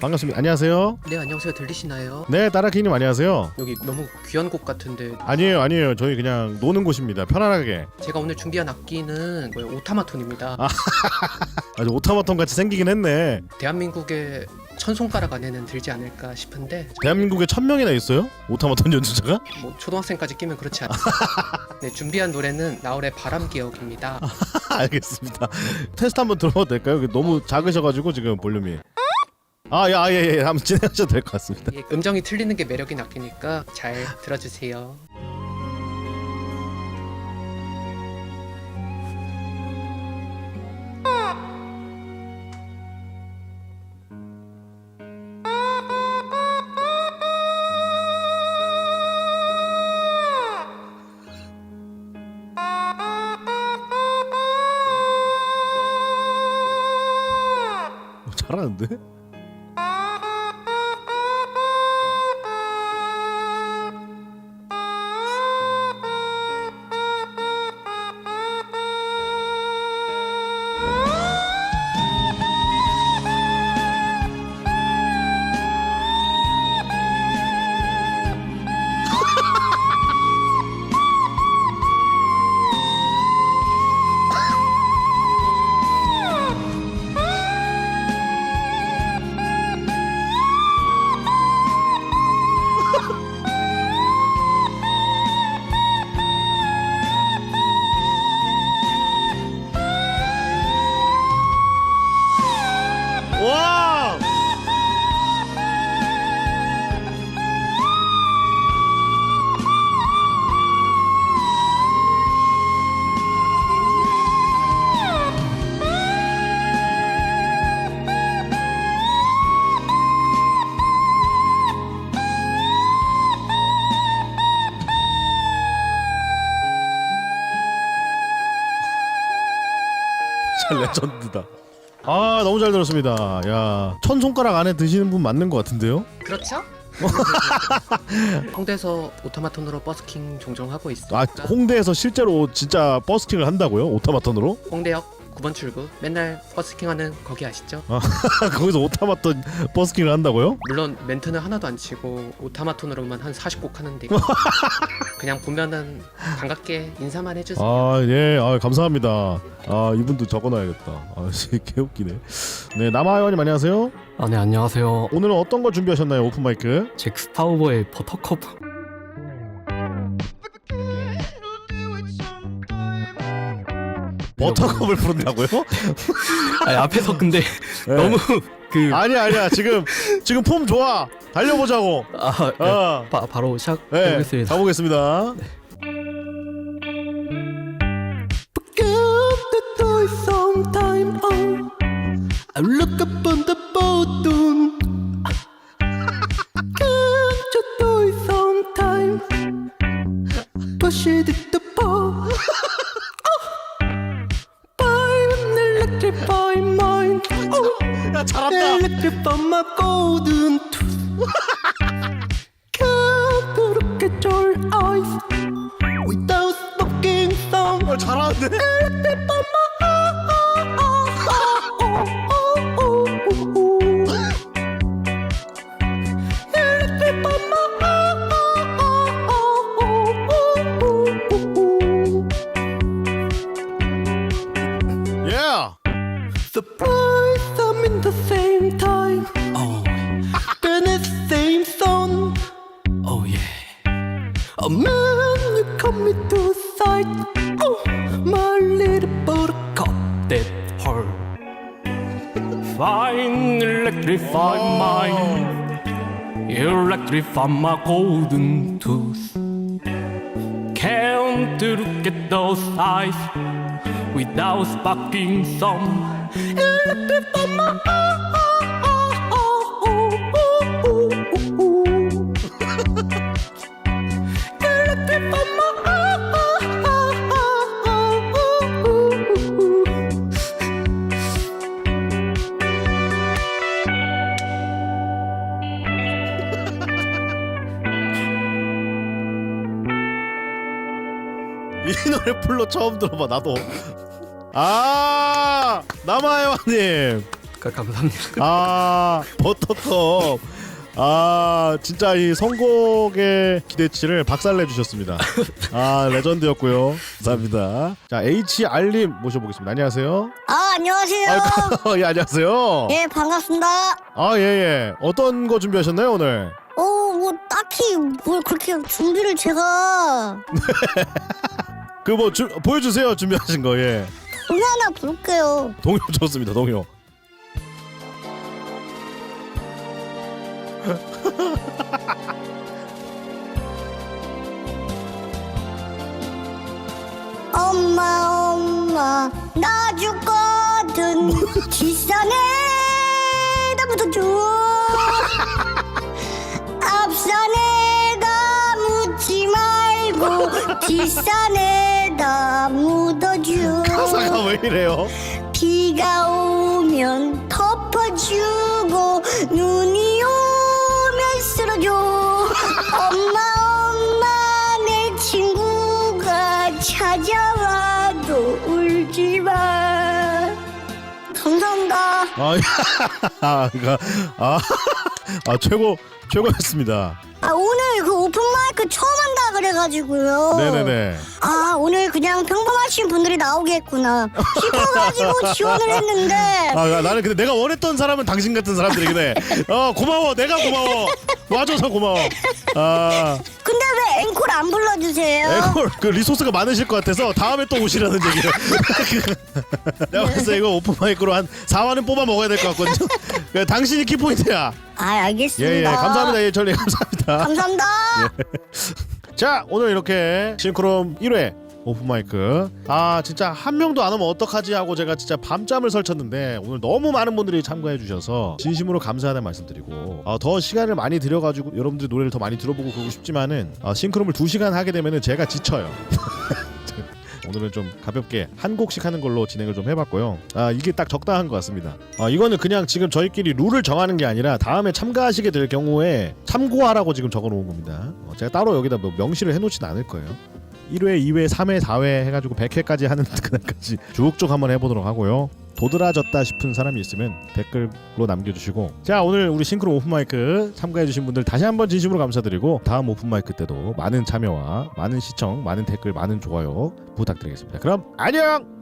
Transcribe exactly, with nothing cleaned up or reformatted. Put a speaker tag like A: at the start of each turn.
A: 반갑습니다. 안녕하세요.
B: 네, 안녕하세요. 들리시나요?
A: 네, 따라키님 안녕하세요.
B: 여기 너무 귀한 곡 같은데.
A: 아니에요, 아니에요. 저희 그냥 노는 곳입니다. 편안하게.
B: 제가 오늘 준비한 악기는 뭐예요? 오타마톤입니다.
A: 아. 아주 오타마톤 같이 생기긴 했네.
B: 대한민국의 천 손가락 안에는 들지 않을까 싶은데.
A: 대한민국에 천 명이나 있어요? 오타마톤 연주자가?
B: 뭐 초등학생까지 끼면 그렇지 않아요. 네, 준비한 노래는 나얼의 바람기억입니다.
A: 알겠습니다. 테스트 한번 들어봐도 될까요? 너무 작으셔가지고 지금 볼륨이. 아, 예, 아, 예, 예. 한번 진행하셔도 될 것 같습니다.
B: 예, 음정이 틀리는 게 매력인 악기니까 잘 들어주세요.
A: 잘하는데? 와! 진짜 레전드다. 아, 너무 잘 들었습니다. 야, 천 손가락 안에 드시는 분 맞는 것 같은데요?
B: 그렇죠? 홍대에서 오타마톤으로 버스킹 종종 하고 있어요.
A: 아, 홍대에서 실제로 진짜 버스킹을 한다고요? 오타마톤으로?
B: 홍대역 구 번 출구 맨날 버스킹하는 거기 아시죠?
A: 아, 거기서 오타마톤 버스킹을 한다고요?
B: 물론 멘트는 하나도 안 치고 오타마톤으로만 한 사십 곡 하는데 그냥 보면은 반갑게 인사만 해주세요.
A: 아, 예, 아, 감사합니다. 아, 이분도 적어놔야겠다. 아, 개웃기네. 네, 남아요님 안녕하세요.
C: 아, 네, 안녕하세요.
A: 오늘은 어떤 거 준비하셨나요? 오픈 마이크.
C: 잭스파우버의 버터컵.
A: 버터컵을 부른다고요?
C: 아니, 앞에서 근데
A: 네.
C: 너무 그
A: 아니야, 아니야. 지금 지금 폼 좋아. 달려보자고.
C: 아, 네.
A: 아,
C: 바, 바로
A: 네,
C: 시작해보겠습니다.
A: 가보겠습니다.
C: Sometime oh, I look up on the bottom. Can't you do it sometime? Push it to the ball. I'm electrify mind. Oh,
A: 야, 잘한다.
C: electrify my golden tooth. Can't look at your eyes without smoking some.
A: 어, 잘하는데?
C: Electrify my
A: Yeah.
C: surprise, I'm in the same time. Oh, then it's same song. Oh yeah. Oh man, you come me to sight. Oh, my little buttercup that hurt. Fine, electrify mine. Electrify my golden tooth. Can't look at those eyes without sparking some. Electrify my electrify
A: 이 노래 풀로 처음 들어봐. 나도. 아, 남아요님.
B: 그, 감사합니다.
A: 아 버터컵. 아 진짜 이 선곡의 기대치를 박살내 주셨습니다. 아 레전드였고요. 감사합니다. 자 에이치알님 모셔보겠습니다. 안녕하세요.
D: 아 안녕하세요.
A: 아, 예 안녕하세요.
D: 예 반갑습니다.
A: 아 예예. 어떤 거 준비하셨나요 오늘?
D: 어뭐 딱히 뭘 그렇게 준비를 제가
A: 그 뭐 보여주세요 준비하신 거. 예.
D: 노래 하나 부를게요.
A: 동요 좋습니다. 동요.
D: 엄마 엄마 나 죽거든 뒷산에 다 묻어줘 앞산에 다 묻지 말고 뒷산에 다 묻어줘
A: 가사가 왜 이래요?
D: 비가 오면 덮어주고 눈이 오면 쓸어줘 엄마 엄마 내 친구가 찾아와도 울지마 감사합니다.
A: 아, 아, 그러니까 아, 아 최고 최고였습니다.
D: 아 오늘 그 오픈마이크 처음 한다 그래가지고요.
A: 네네네.
D: 아 오늘 그냥 평범하신 분들이 나오겠구나 싶어가지고 지원을 했는데
A: 아 나는 근데 내가 원했던 사람은 당신 같은 사람들이긴 해. 어 고마워. 내가 고마워. 와줘서 고마워. 아
D: 근데 왜 앵콜 안 불러주세요?
A: 앵콜 그 리소스가 많으실 것 같아서 다음에 또 오시라는 얘기를. 내가 봤을 때 이거 오픈 마이크로 한 사 화는 뽑아 먹어야 될 것 같거든요. 그러니까 당신이 키포인트야.
D: 아 알겠습니다.
A: 예예 감사합니다. 예 전리 감사합니다.
D: 감사합니다.
A: 자 오늘 이렇게 싱크롬 일 회 오픈마이크 아 진짜 한 명도 안 오면 어떡하지 하고 제가 진짜 밤잠을 설쳤는데 오늘 너무 많은 분들이 참가해 주셔서 진심으로 감사하다는 말씀드리고 어, 더 시간을 많이 들여가지고 여러분들 노래를 더 많이 들어보고 그러고 싶지만은 어, 싱크롬을 두 시간 하게 되면은 제가 지쳐요. 오늘은 좀 가볍게 한 곡씩 하는 걸로 진행을 좀 해봤고요. 아 이게 딱 적당한 것 같습니다. 아 이거는 그냥 지금 저희끼리 룰을 정하는 게 아니라 다음에 참가하시게 될 경우에 참고하라고 지금 적어놓은 겁니다. 어, 제가 따로 여기다 뭐 명시를 해놓진 않을 거예요. 일 회, 이 회, 삼 회, 사 회 해가지고 백 회까지 하는 그날까지 쭉쭉 한번 해보도록 하고요. 도드라졌다 싶은 사람이 있으면 댓글로 남겨주시고 자 오늘 우리 싱크로 오픈마이크 참가해주신 분들 다시 한번 진심으로 감사드리고 다음 오픈마이크 때도 많은 참여와 많은 시청, 많은 댓글, 많은 좋아요 부탁드리겠습니다. 그럼 안녕!